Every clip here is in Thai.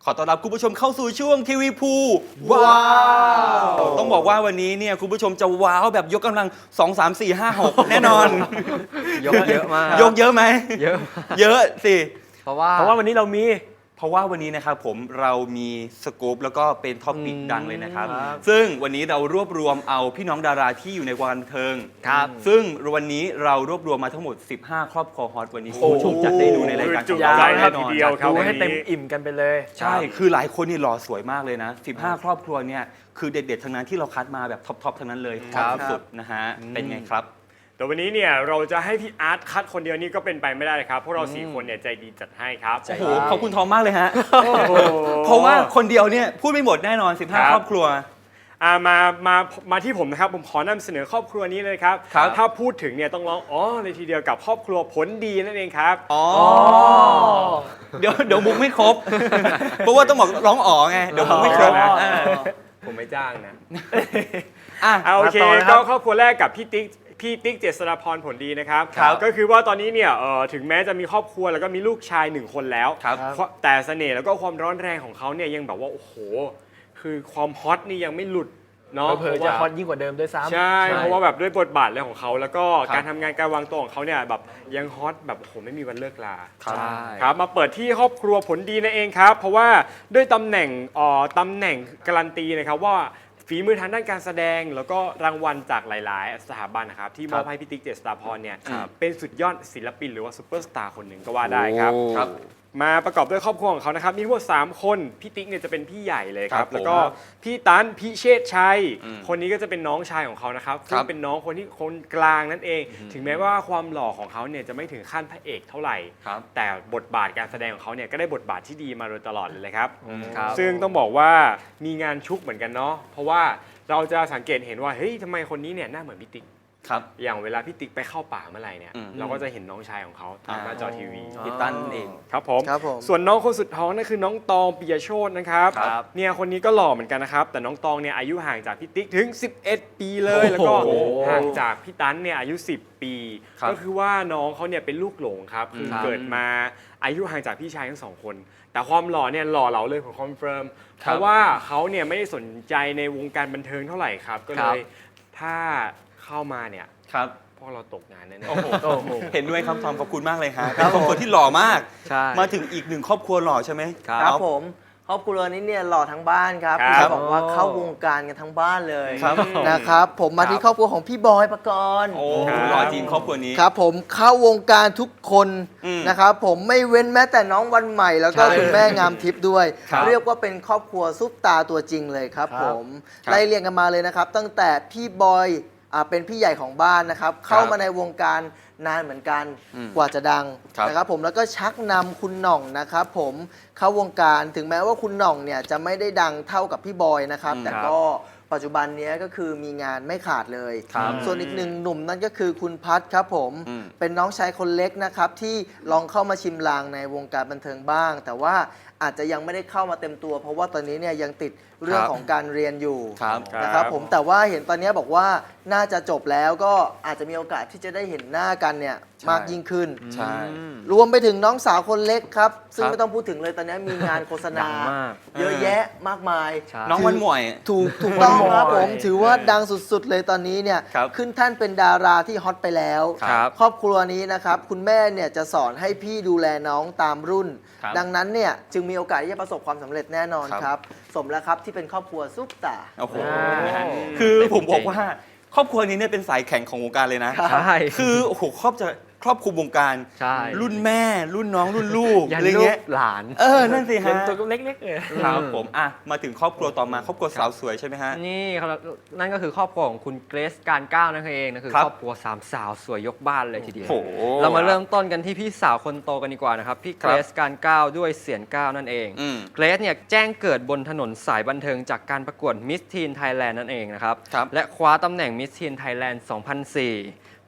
อต้อนรับคุณผู้ชมเข้าสู่ช่วงทีวีพูว้าวต้องบอกว่าวันนี้เนี่ยคุณผู้ชมจะว้าวแบบยกกำลัง2 3 4 5 6แน่นอนยกเยอะมากยกเยอะไหมเยอะเยอะสิเพราะว่าวันนี้เรามีเพราะว่าวันนี้นะครับผมเรามีสกู๊ปแล้วก็เป็นท็อปิกดังเลยนะครับครับซึ่งวันนี้เรารวบรวมเอาพี่น้องดาราที่อยู่ในวงการบันเทิงครับซึ่งวันนี้เรารวบรวมมาทั้งหมด15 ครอบครัวฮอตวันนี้โอ้คุณผู้ชมจะได้ดูในรายการจุของใจเราแน่นอนทีเดียวครับดูให้เต็มอิ่มกันไปเลยใช่ คือหลายคนนี่หล่อสวยมากเลยนะ 15 ครอบครัวเนี่ยคือเด็ดๆทั้งนั้นที่เราคัดมาแบบท็อปๆทั้งนั้นเลยครับสุดๆนะฮะเป็นไงครับแต่วันนี้เนี่ยเราจะให้พี่อาร์ตคัดคนเดียวนี่ก็เป็นไปไม่ได้ครับพวกเรา4 คนเนี่ยใจดีจัดให้ครับโอ้โหขอบคุณทอมมากเลยฮะเพราะว่าคนเดียวเนี่ยพูดไม่หมดแน่นอน 15 ครอบครัวมาที่ผมนะครับผมขอนำเสนอครอบครัวนี้เลยครับครับถ้าพูดถึงเนี่ยต้องร้องอ๋อเลยทีเดียวกับครอบครัวผลดีนั่นเองครับอ๋อเดี๋ยวมุกไม่ครบ เพราะว่าต้องบอกร้องอ๋อไงเดี๋ยวมุกไม่ครบอ๋ออ่าผมไม่จ้างนะอ่ะโอเคมาต่อนะครับก็ครอบครัวแรกกับพี่ติ๊กเจษฎาพรผลดีนะครับครับก็คือว่าตอนนี้เนี่ยถึงแม้จะมีครอบครัวแล้วก็มีลูกชาย1 คนแล้วครับแต่เสน่ห์แล้วก็ความร้อนแรงของเขาเนี่ยยังแบบว่าโอ้โหคือความฮอตนี่ยังไม่หลุดเนาะเผลอๆจะฮอตยิ่งกว่าเดิมด้วยซ้ำใช่เพราะว่าแบบด้วยบทบาทอะไรของเขาแล้วก็ครับการทำงานการวางตัวของเขาเนี่ยแบบยังฮอตแบบโอ้โหไม่มีวันเลิกลาครับใช่ครับมาเปิดที่ครอบครัวผลดีนั่นเองครับ เพราะว่าด้วยตำแหน่งการันตีนะครับว่าฝีมือทางด้านการแสดงแล้วก็รางวัลจากหลาย ๆ สถาบันนะครับที่มอบให้พี่ติ๊กเจษฎาพรเนี่ยครับเป็นสุดยอดศิลปินหรือว่าซูเปอร์สตาร์คนหนึ่งก็ว่าได้ครับครับมาประกอบด้วยครอบครัวของเขานะครับมีทั้งหมด3 คนพี่ติ๊กเนี่ยจะเป็นพี่ใหญ่เลยคครัรับบแล้วก็ผมพี่ตันพี่เชษฐ์ชัยอืมคนนี้ก็จะเป็นน้องชายของเขานะครับคซึ่รังบเป็นน้องคนกลางนั่นเอง ถึงแม้ว่าความหล่อของเขาเนี่ยจะไม่ถึงขั้นพระเอกเท่าไหร่ครับแต่บทบาทการแสดงของเขาเนี่ยก็ได้บทบาทที่ดีมาโดยตลอดเลยครับครับซึ่งต้องบอกว่ามีงานชุกเหมือนกันเนาะเพราะว่าเราจะสังเกตเห็นว่าเฮ้ยทำไมคนนี้เนี่ยหน้าเหมือนพี่ติ๊กครับอย่างเวลาพี่ติ๊กไปเข้าป่าเมื่อไหร่เนี่ยอืมเราก็จะเห็นน้องชายของเขาทางหน้าจอทีวีพี่ตั้นเองครับผมครับผมส่วนน้องคนสุดท้องนั่นคือน้องตองปิยโชตนะครับครับเนี่ยคนนี้ก็หล่อเหมือนกันนะครับ แต่น้องตองเนี่ยอายุห่างจากพี่ติ๊กถึง 11 ปีเลย แล้วก็โอ้โหห่างจากพี่ตันเนี่ยอายุ 10 ปีครับก็คือว่าน้องเขาเนี่ยเป็นลูกหลงครับ คือครับเกิดมาอายุห่างจากพี่ชายทั้ง 2 คน แต่ความหล่อเนี่ยหล่อเหลาเลยผมคอนเฟิร์ม เพราะว่าเขาเนี่ยไม่ได้สนใจในวงการบันเทิงเท่าไหร่ครับ ก็เลยถ้าเข้ามาเนี่ยครับพวกเราตกงานแน่โอ้โหโอ้โหเห็นด้วยครับทอมขอบคุณมากเลยฮะเป็นครอบครัวที่หล่อมากใช่มาถึงอีกหนึ่งครอบครัวหล่อใช่ไหมครับผมครอบครัวนี้เนี่ยหล่อทั้งบ้านครับครับจะบอกว่าเข้าวงการกันทั้งบ้านเลยครับนะครับ ผมมาที่ครอบครัวของพี่บอยปกรณ์โอ้ครับหล่อจริงครอบครัวนี้ครับผมเข้าวงการทุกคนอืมนะครับผมไม่เว้นแม้แต่น้องวันใหม่ แล้วก็ใช่คุณแม่งามทิพย์ด้วยครับเรียกว่าเป็นครอบครัวซุปตาตัวจริงเลยครับครับผมครับไล่เรียงกันมาเลยนะครับ ตั้งแต่พี่บอยเป็นพี่ใหญ่ของบ้านนะครับ เข้ามาในวงการนานเหมือนกันอืมกว่าจะดังครับนะครับผมแล้วก็ชักนำคุณหน่องนะครับผมเข้าวงการถึงแม้ว่าคุณหน่องเนี่ยจะไม่ได้ดังเท่ากับพี่บอยนะครับ แต่ก็ปัจจุบันเนี้ยก็คือมีงานไม่ขาดเลยครับส่วนอีกหนึ่งหนุ่มนั่นก็คือคุณพัทครับผมอืมเป็นน้องชายคนเล็กนะครับที่ลองเข้ามาชิมลางในวงการบันเทิงบ้าง แต่ว่าอาจจะยังไม่ได้เข้ามาเต็มตัว เพราะว่าตอนนี้เนี่ยยังติดเรื่องของการเรียนอยู่ครับนะครับผมแต่ว่าเห็นตอนนี้บอกว่าน่าจะจบแล้วก็อาจจะมีโอกาสที่จะได้เห็นหน้ากันเนี่ยใช่มากยิ่งขึ้นใช่รวมไปถึงน้องสาวคนเล็กครับ ซึ่งครับไม่ต้องพูดถึงเลยตอนนี้มีงานโฆษณาดังมากเยอะแยะมากมายใช่น้องวันหมวยถูกต้องครับวันหมวยผมถือว่าดังสุดๆเลยตอนนี้เนี่ยครับขึ้นท่านเป็นดาราที่ฮอตไปแล้วครับครอบครัวนี้นะครับคุณแม่เนี่ยจะสอนให้พี่ดูแลน้องตามรุ่นครับดังนั้นเนี่ยจึงมีโอกาสที่จะประสบความสำเร็จแน่นอนครับครับ สมแล้วครับที่เป็นครอบครัวซุปตาโอ้โหว้าวนะฮะคือผมบอกว่าครอบครัวนี้เนี่ยเป็นสายแข่งของวงการเลยนะใช่คือโอ้โหครอบคลุมวงการใช่รุ่นแม่ รุ่นน้องรุ่นลูกยันอะไรลูเงี้กยหลานนั่นสิยัฮะนตัวเล็กๆเลยครับผมอ่ะมาถึงครอบครัวต่อมาครอบครัวสาวสวยใช่ไหมฮะนี่ครับนั่นก็คือครอบครัวของคุณเกรซการก้าวนั่นเองนะคือครับครอบครัวสามสาวสวยยกบ้านเลยทีเดียวโอ้โหเรามาเริ่มต้นกันที่พี่สาวคนโตกันดีกว่านะครับพี่เกรซการก้าวด้วยเสียงก้าวนั่นเองอืมเกรซเนี่ยแจ้งเกิดบนถนนสายบันเทิงจากการประกวดมิสทีนไทยแลนด์นั่นเองนะครับครับและคว้าตำแหน่งมิสทีนไทยแลนด์ 2004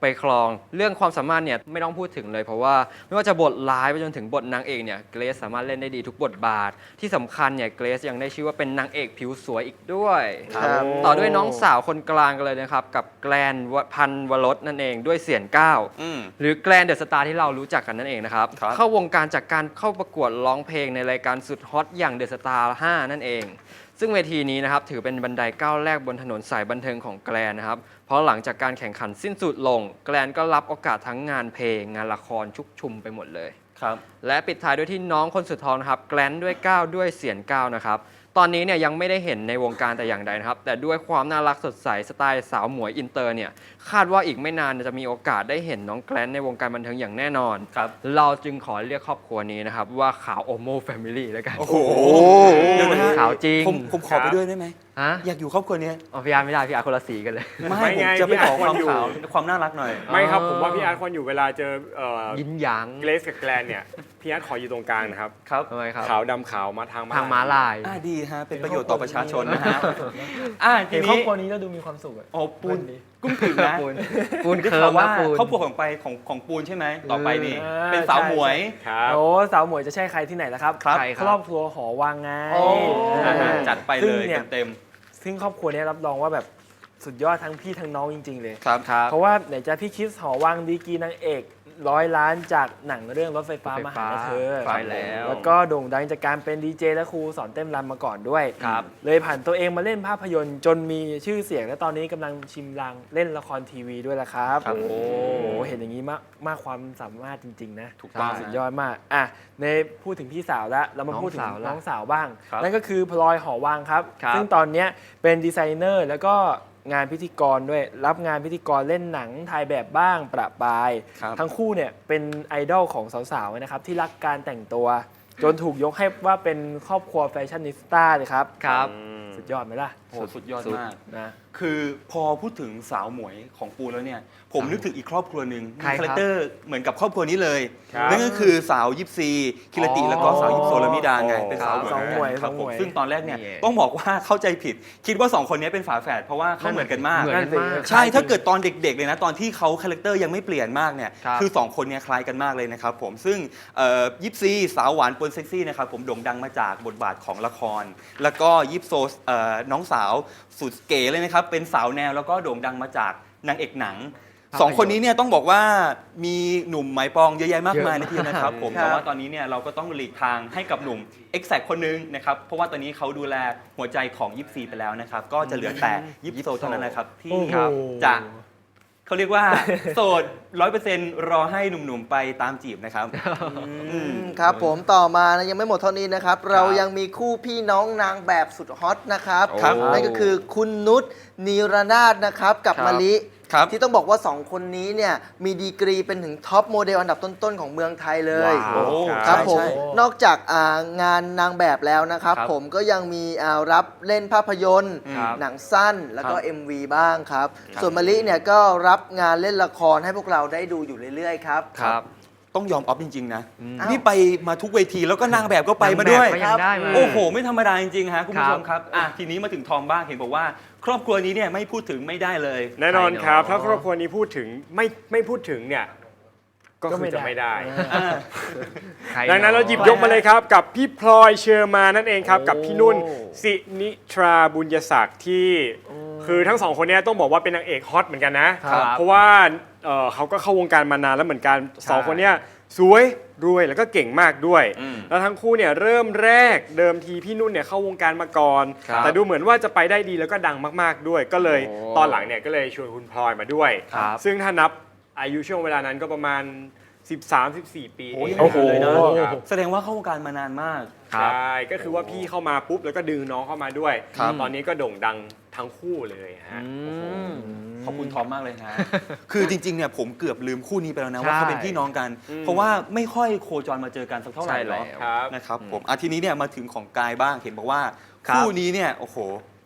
ไปครองเรื่องความสามารถเนี่ยไม่ต้องพูดถึงเลยเพราะว่าไม่ว่าจะบทร้ายไปจนถึงบทนางเอกเนี่ยเกรซสามารถเล่นได้ดีทุกบทบาทที่สำคัญเนี่ยเกรซยังได้ชื่อว่าเป็นนางเอกผิวสวยอีกด้วยครับต่อด้วยน้องสาวคนกลางกันเลยนะครับกับแกลนพันวรสนั่นเองด้วยเสียงก้าว หรือแกลนเดอะสตาร์ที่เรารู้จักกันนั่นเองนะครับครับเข้าวงการจากการเข้าประกวดร้องเพลงในรายการสุดฮอตอย่างเดอะสตาร์5นั่นเอง ซึ่งเวทีนี้นะครับถือเป็นบันไดก้าวแรกบนถนนสายบันเทิงของแกลนนะครับ เพราะหลังจากการแข่งขันสิ้นสุดลง แกลนก็รับโอกาสทั้งงานเพลงงานละครชุกชุมไปหมดเลยครับและปิดท้ายด้วยที่น้องคนสุดท้องนะครับแกลนด้วยก้าวด้วยเสียงก้าวนะครับตอนนี้เนี่ยยังไม่ได้เห็นในวงการแต่อย่างใดนะครับแต่ด้วยความน่ารักสดใสสไตล์สาวหมวยอินเตอร์เนี่ยคาดว่าอีกไม่นานจะมีโอกาสได้เห็นน้องแกลนในวงการบันเทิงอย่างแน่นอนครับเราจึงขอเรียกครอบครัวนี้นะครับว่าขาวโอโมแฟมิลี่แล้วกันโอ้โหเดี๋ยวนะฮะขาวจริงผมขอไปด้วยได้ไหมฮะอยากอยู่ครอบครัวนี้อ๋อพี่อาร์ไม่ได้พี่อาร์คนละสีกันเลยไม่ไม่ผมไงจะไปขอพี่คอาร์วามควรอยู่ขาวความน่ารักหน่อยไม่ครับผมว่าพี่อาร์ตควรอยู่เวลาเจอยินหยางเกรซกับแกลนเนี่ยพี่อาร์ตขออยู่ตรงกลางนะครับครับทำไมครับขาวดำขาวมาทางทางม้าลายดีฮะ เป็นประโยชน์ต่อประชาชนนะฮะทีเห็นครอบนี้ครัวนี้แล้วดูมีความสุขอะโอ้ปูนกุ้งถึงนะปูนได้เคิข่าร์วมว่านะปูนครอบครัวของไปของปูนใช่ไหมต่อไปนี่เออเป็นสาวหมวยครับโอ้สาวหมวยจะใช่ใครที่ไหนล่ะครับครับใครครอบครัวหอวังไงโอ้อ่าจัดไปซึ่เลงยเนี่ยเต็มซึ่งครอบครัวเนี้รับรองว่าแบบสุดยอดทั้งพี่ทั้งน้องจริง ๆ เลยๆครับเพราะว่าไหนจะพี่คริสหอวังดีกรีนางเอก100 ล้านจากหนังเรื่องรถไฟฟ้ามาหาเธอใช่แล้วแล้วก็โด่งดังจากการเป็นดีเจและครูสอนเต้นรำมาก่อนด้วยครับเลยผ่านตัวเองมาเล่นภาพยนตร์จนมีชื่อเสียงและตอนนี้กำลังชิมลางเล่นละครทีวีด้วยละครับครับโอ้โหเห็นอย่างนี้มากความสามารถจริง ๆ นะถูกต้องสุดยอดมากอ่ะในพูดถึงพี่สาวแล้วเรามาพูดถึงน้องสาวละน้องสาวบ้างครับนั่นก็คือพลอยหอวังครับครับซึ่งตอนเนี้ยเป็นดีไซเนอร์แล้วก็งานพิธีกรด้วยรับงานพิธีกรเล่นหนังถ่ายแบบบ้างประปรายครับทั้งคู่เนี่ยเป็นไอดอลของสาวๆนะครับที่รักการแต่งตัว จนถูกยกให้ว่าเป็นครอบครัวแฟชั่นนิสต้าเลยครับครับสุดยอดไหมล่ะโอ้สุดยอดมากนะคือพอพูดถึงสาวหมวยของปูนแล้วเนี่ย ผมนึกถึงอีกครอบครัวหนึ่งใครมีครับคาแรคเตอร์เหมือนกับครอบครัวนี้เลยครับนั่นก็คือสาวยิปซีคิรติอ๋อแล้วก็สาวยิปโซลามิดาไงอ๋อเป็นสาวหมวยสองหมวยครับสองผหมมวยซึ่งตอนแรกเนี่ยนี่เองต้องบอกว่าเข้าใจผิด คิดว่า 2 คนนี้เป็นฝาแฝดเพราะว่าเขาเหมือนกันมากเหมือนกันมากใช่ ถ้าเกิดตอนเด็กๆเลยนะ ตอนที่เขาคาแรคเตอร์ยังไม่เปลี่ยนมากเนี่ยครับคือ 2 คนเนี้คล้ายกันมากเลยนะครับผม ซึ่งยิปซีสาวหวานปนเซ็กซี่นะครับผมโด่งดังมาจากบทบาทของละคร แล้วก็ยิปโซน้องสาวสุดเก๋เลยนะครับ เป็นสาวแนวแล้วก็โด่งดังมาจากนางเอกหนัง 2 คนนี้เนี่ยต้องบอกว่ามีหนุ่มไหมปองเยอะแยะมากมายนะทีเดียวนะครับผมครับแต่ว่าตอนนี้เนี่ยเราก็ต้องหลีกทางให้กับหนุ่ม e x a c t คนนึงนะครับ เพราะว่าตอนนี้เขาดูแลหัวใจของยิปซีไปแล้วนะครับ ก็จะเหลือแต่ยิปโซเท่านั้นนะครับ ที่โอ้โหจะเขาเรียกว่า โสด 100% รอให้หนุ่มๆไปตามจีบนะครับครับผมต่อมานะยังไม่หมดเท่านี้นะครับ เรายังมีคู่พี่น้องนางแบบสุดฮอตนะครับครับนั่นก็คือคุณนุชนีรนาถนะครับกับครับมะลิครับที่ต้องบอกว่า 2 คนนี้เนี่ยมีดีกรีเป็นถึงท็อปโมเดลอันดับต้นๆ ของเมืองไทยเลยว้าวโอ้ครับใช่ผมใช่นอกจากงานนางแบบแล้วนะครับครับผมก็ยังมีรับเล่นภาพยนตร์ครับหนังสั้นแล้วก็ครับ MV บ้างครับครับส่วนมะลิเนี่ยก็รับงานเล่นละครให้พวกเราได้ดูอยู่เรื่อยๆครับครับต้องยอมออฟจริงๆนะอ้าวนี่ไปมาทุกเวทีแล้วก็นางแบบก็ไปมาด้วยนงแบบก็ยังได้มาโอ้โห ไม่ธรรมดาจริงๆฮะคุณผู้ชมคครับ รับทีนี้มาถึงทอมบ้างเห็นบอกว่า ครอบครัวนี้เนี่ยไม่พูดถึงไม่ได้เลยแน่นอนครับใครเนอะถ้าครอบครัวนี้พูดถึงไม่พูดถึงเนี่ยก็คือจะไม่ได้ใครดังนั้นเราหยิบยกมาเลยครับ กับพี่พลอยเชอร์มานนั่นเองครับ กับพี่นุ่นสินิทราบุญยศักดิ์ที่คือทั้งสองคนเนี้ต้องบอกว่าเป็นนางเอกฮอตเหมือนกันนะครับเพราะว่าเขาก็เข้าวงการมานานแล้วเหมือนกันสองคนเนี้สวยรวยแล้วก็เก่งมากด้วยอืมแล้วทั้งคู่เนี่ยเริ่มแรกเดิมทีพี่นุ่นเนี่ยเข้าวงการมาก่อนครับแต่ดูเหมือนว่าจะไปได้ดีแล้วก็ดังมากๆด้วย ก็เลยโอ้ตอนหลังเนี่ยก็เลยชวนคุณพลอยมาด้วยครับซึ่งถ้านับอายุช่วงเวลานั้นก็ประมาณ 13-14 ปีโอ้ยเองโอ้โหเลยนะครับแสดงว่าเข้าวงการมานานมากครัใช่บก็คือว่าพี่เข้ามาปุ๊บแล้วก็ดึงน้องเข้ามาด้วยครับตอนนี้ก็โด่งดังทั้งคู่เลยฮะขอบคุณทอมมากเลยฮะ คือจริงๆ เนี่ยผมเกือบลืมคู่นี้ไปแล้วนะใช่ว่าเขาเป็นพี่น้องกันอืมเพราะว่าไม่ค่อยโคจรมาเจอกันสักเท่าไหร่ใช่หรแล้อวครับนะครับผมทีนี้เนี่ยมาถึงของกายบ้างเห็นบอกว่าครับคู่นี้เนี่ยโอ้โห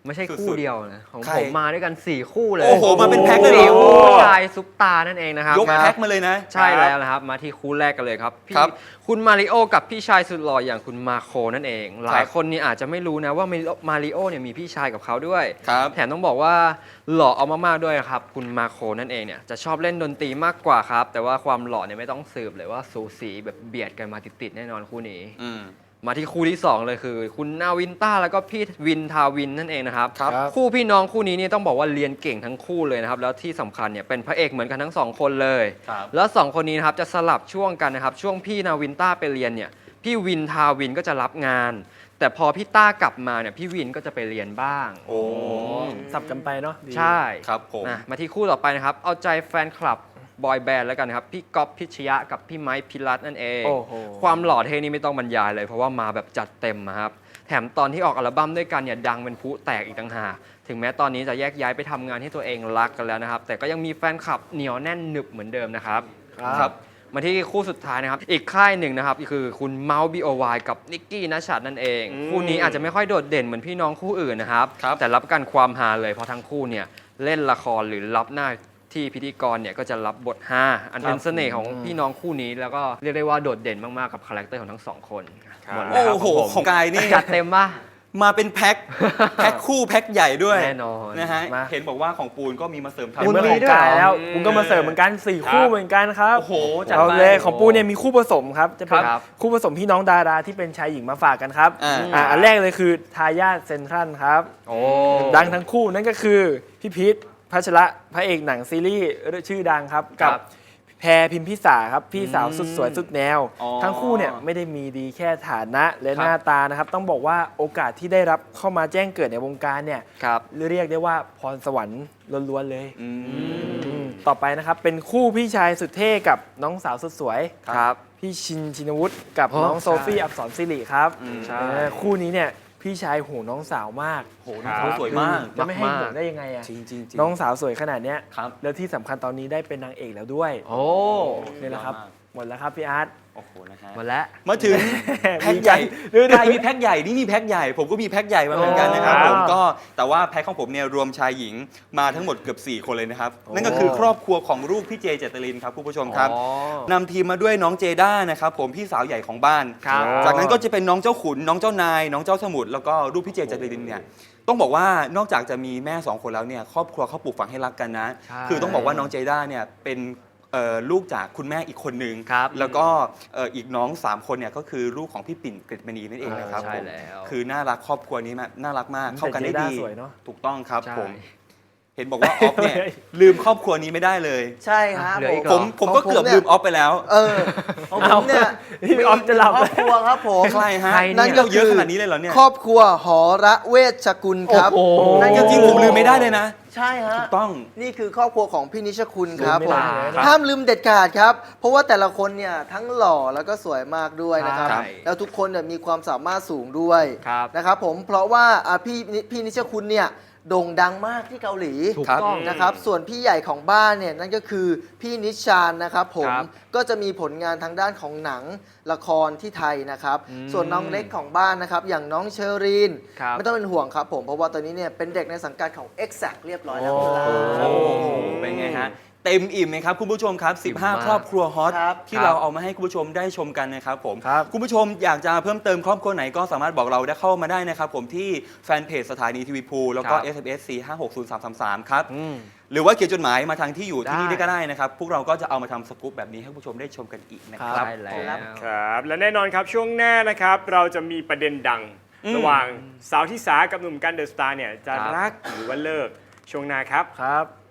ไม่ใช่สุดๆคู่เดียวนะ ของใครผมมาด้วยกัน 4 คู่เลยโอ้โหมาเป็นแพ็คเลยเหรอสี่คู่ผู้ชายซุปตานั่นเองนะครับยกแพ็คมาเลยนะใช่แล้วนะครับ มาที่คู่แรกกันเลยครับพี่ครับคุณมาริโอกับพี่ชายสุดหล่ออย่างคุณมาโคนั่นเอง หลายคนนี่อาจจะไม่รู้นะว่ามาริโอเนี่ยมีพี่ชายกับเขาด้วยครับแถมต้องบอกว่าหล่อเอามากๆด้วยครับ คุณมาโคนั่นเองเนี่ยจะชอบเล่นดนตรีมากกว่าครับ แต่ว่าความหล่อเนี่ยไม่ต้องสืบเลยว่าสูสีแบบเบียดกันมาติดๆแน่นอนคู่นี้อืมมาที่คู่ที่ 2 เลยคือ คุณนาวินต้าแล้วก็พี่วินทาวินนั่นเองนะครับครับคู่พี่น้องคู่นี้นี่ต้องบอกว่าเรียนเก่งทั้งคู่เลยนะครับแล้วที่สำคัญเนี่ยเป็นพระเอกเหมือนกันทั้งสองคนเลยครับแล้ว2 คนนี้นะครับจะสลับช่วงกันนะครับช่วงพี่นาวินต้าไปเรียนเนี่ยพี่วินทาวินก็จะรับงาน แต่พอพี่ต้ากลับมาเนี่ยพี่วินก็จะไปเรียนบ้างโอ้สับกันไปเนาะดีใช่ครับผมมาที่คู่ต่อไปนะครับเอาใจแฟนคลับบอยแบนด์แล้วกันนะครับพี่ก๊อฟพิชยะกับพี่ไมค์พิรัตน์นั่นเองโอ้โหความหล่อเท่นี่ไม่ต้องบรรยายเลยเพราะว่ามาแบบจัดเต็มอะครับแถมตอนที่ออกอัลบั้มด้วยกันเนี่ยดังเป็นพลุแตกอีกต่างหากถึงแม้ตอนนี้จะแยกย้ายไปทำงานที่ตัวเองรักกันแล้วนะครับแต่ก็ยังมีแฟนคลับเหนียวแน่นหนึบเหมือนเดิมนะครับครับมาที่คู่สุดท้ายนะครับอีกค่ายหนึ่งนะครับคือคุณเมาส์ BOY กับนิกกี้นัชชัดนั่นเอง คู่นี้อาจจะไม่ค่อยโดดเด่นเหมือนพี่น้องคู่อื่นนะครับครับแต่รับประกันความฮาเลยเพราะทั้งคู่เนี่ยเล่นละครหรือรับหน้าที่พิธีกรเนี่ยก็จะรับบทฮาอันเป็นเสน่ห์ของพี่น้องคู่นี้แล้วก็เรียกได้ว่าโดดเด่นมากๆกับคาแรคเตอร์ของทั้งสองคนหมดแล้วครับโอ้โหของผมของกายนี่จัดเต็มป่ะมาเป็นแพ็ค แพ็คคู่แพ็คใหญ่ด้วยแน่นอนนะฮะมาเห็นบอกว่าของปูนก็มีมาเสริมทัพเห็นเมื่อมีของด้วยกายแล้วอืมคุณก็มาเสริมเหมือนกัน4คู่เหมือนกันครับโอ้โหจัดเอาไปเลยของปูเนี่ยมีคู่ผสมครับจะเป็นครับคู่ผสมพี่น้องดาราที่เป็นชายหญิงมาฝากกันครับอ่าอันแรกเลยคือทายาทเซนทรัลครับโอ้ดังทั้งคู่นั่นก็คือพี่พีทพัชระพระเอกหนังซีรีส์ชื่อดังครับครักับ แพรพิมพิสาครับพี่สาวสุดสวยสุดแนวอ๋อทั้งคู่เนี่ยไม่ได้มีดีแค่ฐานะและหน้าตานะครับ ต้องบอกว่าโอกาสที่ได้รับเข้ามาแจ้งเกิดในวงการเนี่ยครับเรียกได้ว่าพรสวรรค์ล้วนๆเลยอืมต่อไปนะครับเป็นคู่พี่ชายสุดเท่กับน้องสาวสุดสวยครับพี่ชินวุฒิกับอ๋อน้องโซฟี่อักษรศิริครับใช่คู่นี้เนี่ยพี่ชายโหน้องสาวมากโหน้องเขาสวยมากจะไม่ให้มากๆห่วงได้ยังไงอะจริงจริงน้องสาวสวยขนาดเนี้ยครับแล้วที่สำคัญตอนนี้ได้เป็นนางเอกแล้วด้วยโอ้นี่แหละครับมากหมดแล้วครับพี่อาร์ตโอ้โหนะฮะหมดแล้วมาถึงแพ็คใหญ่กายมีแพ็คใหญ่นี่มีแพ็คใหญ่ ผมก็มีแพ็คใหญ่มาเหมือนกันนะครับอ๋อผมก็แต่ว่าแพ็คของผมเนี่ยรวมชายหญิงมาทั้งหมดเกือบ4 คนเลยนะครับโอ้นั่นก็คือครอบครัวของลูกพี่เจเจตลินครับคุณผู้ชมครับอ๋อนำทีมมาด้วยน้องเจด้านะครับผมพี่สาวใหญ่ของบ้านครับจากนั้นก็จะเป็นน้องเจ้าขุนน้องเจ้านาย น้องเจ้าสมุทรแล้วก็ลูกพี่เจเจตลินเนี่ยต้องบอกว่านอกจากจะมีแม่2 คนแล้วเนี่ยครอบครัวเขาปลูกฝังให้รักกันนะใช่คือต้องบอกว่าน้องเจด้าเนี่ยเป็นลูกจากคุณแม่อีกคนนึงครับแล้วก็อีกน้อง 3 คนเนี่ยก็คือลูกของพี่ปิ่นกฤตมณีนั่นเองนะครับใช่ผมแล้วคือน่ารักครอบครัวนี้น่ารักมากเข้ากันได้แต่เจด้าดีสวยเนอะถูกต้องครับใช่ผมเห็นบอกว่าออฟเนี่ยลืมครอบครัวนี้ไม่ได้เลยใช่ครับเหลืออีกเหรผอมก็เกือบลืมออฟไปแล้วของผมเนี่ยพี่ออฟจะหลับครอบครัวครับผมใครฮะใครเนี่ยนั่นก็เยอะขนาดนี้เลยเหรอเนี่ยครอบครัวหอระเวชกุลครับโอ้โหนั่นจก็ริงๆผมลืมไม่ได้เลยนะใช่ฮะถูกต้องนี่คือครอบครัวของพี่นิชคุณครับลืมผไม่มได้เลยนะห้ามลืมเด็ดขาดครับ เพราะว่าแต่ละคนเนี่ยทั้งหล่อแล้วก็สวยมากด้วยนะครับใช่แล้วทุกคนเนี่ยมีความสามารถสูงด้วยครับนะครับผมเพราะว่าพี่นิชคุณเนี่ยโด่งดังมากที่เกาหลีถูกครับต้องนะครับส่วนพี่ใหญ่ของบ้านเนี่ยนั่นก็คือพี่นิชานนะครับผมครับก็จะมีผลงานทางด้านของหนังละครที่ไทยนะครับอืมส่วนน้องเล็กของบ้านนะครับอย่างน้องเชอรีนครับไม่ต้องเป็นห่วงครับผมเพราะว่าตอนนี้เนี่ยเป็นเด็กในสังกัดของ Exact เรียบร้อยแล้วครับโอ้โหเป็นไงฮะ เต็มอิ่มไหมครับคุณผู้ชมครับอิ่มมาก 15 ครอบครัวฮอตครับที่เราเอามาให้คุณผู้ชมได้ชมกันนะครับผมครับคุณผู้ชมอยากจะเพิ่มเติมครอบครัวไหนก็สามารถบอกเราได้เข้ามาได้นะครับผมที่แฟนเพจสถานีทีวีพูแล้วก็ครับ SMS 4560333 ครับอืมหรือว่าเขียนจดหมายมาทางที่อยู่ที่นี่ได้ได้ก็ได้นะครับ พวกเราก็จะเอามาทำสกู๊ปแบบนี้ให้คุณผู้ชมได้ชมกันอีกนะครับใช่แล้วครับ และแน่นอนครับช่วงหน้านะครับเราจะมีประเด็นดัง ระหว่างสาวที่สากับหนุ่มกันเดอะสตาร์เนี่ยจะครับรักหรือว่าเลิกช่วงหน้าครับครับ